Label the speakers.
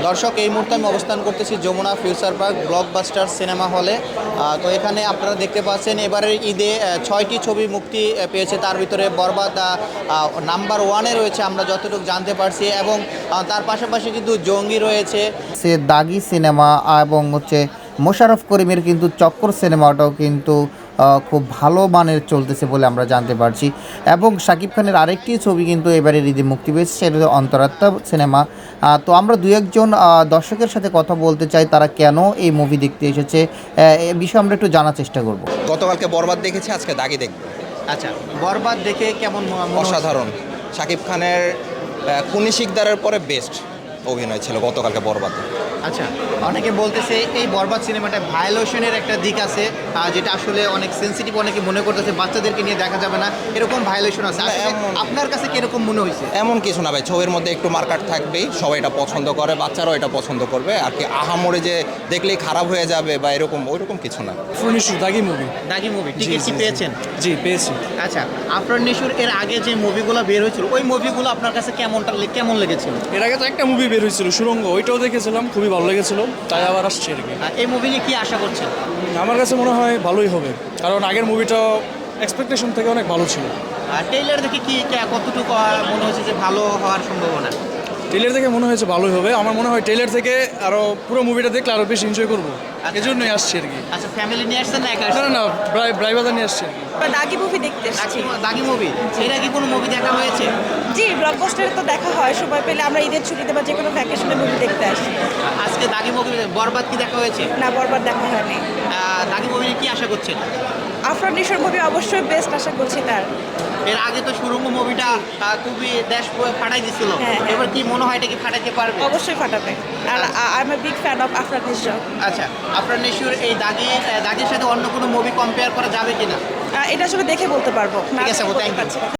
Speaker 1: দর্শক, এই মুহূর্তে আমি অবস্থান করতেছি Jamuna Future Park blockbuster cinema হলে। তো এখানে আপনারা দেখতে পাচ্ছেন এবারের ঈদে 6টি ছবি মুক্তি পেয়েছে, তার ভিতরে বরবাদ নাম্বার 1-এ রয়েছে আমরা যতটুকু জানতে পারছি, এবং তার পাশাপাশি কিন্তু জঙ্গি রয়েছে, সে দাগি সিনেমা, এবং হচ্ছে মোশাররফ করিমের কিন্তু চক্কর সিনেমাটাও কিন্তু খুব ভালো মানের চলতেছে বলে আমরা জানতে পারছি। এবং শাকিব খানের আরেকটি ছবি কিন্তু এবারে ঈদে মুক্তি পেয়েছে, সেটা হলো অন্তরাত্মা সিনেমা। তো আমরা দু একজন দর্শকের সাথে কথা বলতে চাই, তারা কেন এই মুভি দেখতে এসেছে এ বিষয়ে আমরা একটু জানার চেষ্টা করব।
Speaker 2: গতকালকে বরবাদ দেখেছি, আজকে দাগি দেখব।
Speaker 1: আচ্ছা, বরবাদ দেখে কেমন
Speaker 2: অসাধারণ। শাকিব খানের কুনি শিকদারের পরে বেস্ট অভিনয় ছিল গতকালকে বরবাদে।
Speaker 1: আচ্ছা, অনেকে বলতেছে এই বরবাদ সিনেমাটা ভায়োলেশনের একটা দিক আছে, যেটা আসলে অনেক সেন্সিটিভ, অনেকে মনে করতেছে বাচ্চাদেরকে নিয়ে দেখা যাবে না, এরকম ভায়োলেশন আছে। আপনার কাছে কিরকম মনে হয়েছে?
Speaker 2: এমন কিছু না ভাই, ছবির মধ্যে একটু মার্কাট থাকবেই, সবাই এটা পছন্দ করে, বাচ্চারাও এটা পছন্দ করবে। আর কি আহামরে যে দেখলেই খারাপ হয়ে যাবে বা এরকম ওইরকম কিছু না।
Speaker 3: দাগি মুভি।
Speaker 1: দাগি মুভি টিকিট কি পেয়েছেন?
Speaker 3: জি পেয়েছি।
Speaker 1: আচ্ছা, আফরান নিশুর এর আগে যে মুভিগুলো বের হয়েছিল, ওই মুভিগুলো আপনার কাছে কেমন লেগেছিল?
Speaker 3: এর আগে তো একটা মুভি বের হয়েছিল সুরঙ্গ, ওইটাও দেখেছিলাম, খুবই ভালো লেগেছিল, তাই আবার আসছে আর কি।
Speaker 1: এই মুভি নিয়ে কি আশা করছেন?
Speaker 3: আমার কাছে মনে হয় ভালোই হবে, কারণ আগের মুভিটা এক্সপেকটেশন থেকে অনেক ভালো ছিল।
Speaker 1: ট্রেইলার দেখে কি কতটুকু মনে হচ্ছে যে ভালো হওয়ার সম্ভাবনা?
Speaker 3: ট্রেলার থেকে মনে হয়েছে ভালোই হবে। আমার মনে হয় ট্রেলার থেকে আরও পুরো মুভিটা দেখলে আরও বেশি এনজয় করবো, এই জন্যই আসছি আর কি।
Speaker 1: আচ্ছা, ফ্যামিলি নিয়ে আসছেন না একা?
Speaker 3: না না, ব্রাইবাদা নিয়ে আসছি আর কি।
Speaker 4: দাগি মুভি দেখতে এসেছি।
Speaker 1: দাগি মুভি, এর আগে কোনো মুভি দেখা হয়েছে?
Speaker 4: জি, ব্লকবাস্টারে তো দেখা হয়, সময় পেলে আমরা ঈদের ছুটিতে বা যে কোনো ভ্যাকেশনে মুভি দেখতে আসি।
Speaker 1: আজকে দাগি মুভি, বরবাদ কি দেখা হয়েছে?
Speaker 4: না, বরবার দেখা হয়নি।
Speaker 1: দাগি মুভি নিয়ে কি আশা করছেন?
Speaker 4: আফরান নিশোর মুভি অবশ্যই বেস্ট আশা করছি তার।
Speaker 1: এর আগে তো সুরঙ্গ মুভিটা খুবই দেশ ফাটাই দিছিল,
Speaker 4: হ্যাঁ।
Speaker 1: এবার কি মনে হয় এটা কি ফাটাইতে পারবে?
Speaker 4: অবশ্যই ফাটাবে। আর I am a big fan of Afran Nisho.
Speaker 1: আচ্ছা, আফরান নিশুর এই দাগির সাথে অন্য কোনো মুভি কম্পেয়ার করা যাবে কিনা?
Speaker 4: এটা আসলে দেখে বলতে পারবো।
Speaker 1: ঠিক আছে,
Speaker 4: বলতে
Speaker 1: thank you.
Speaker 4: পারছি না।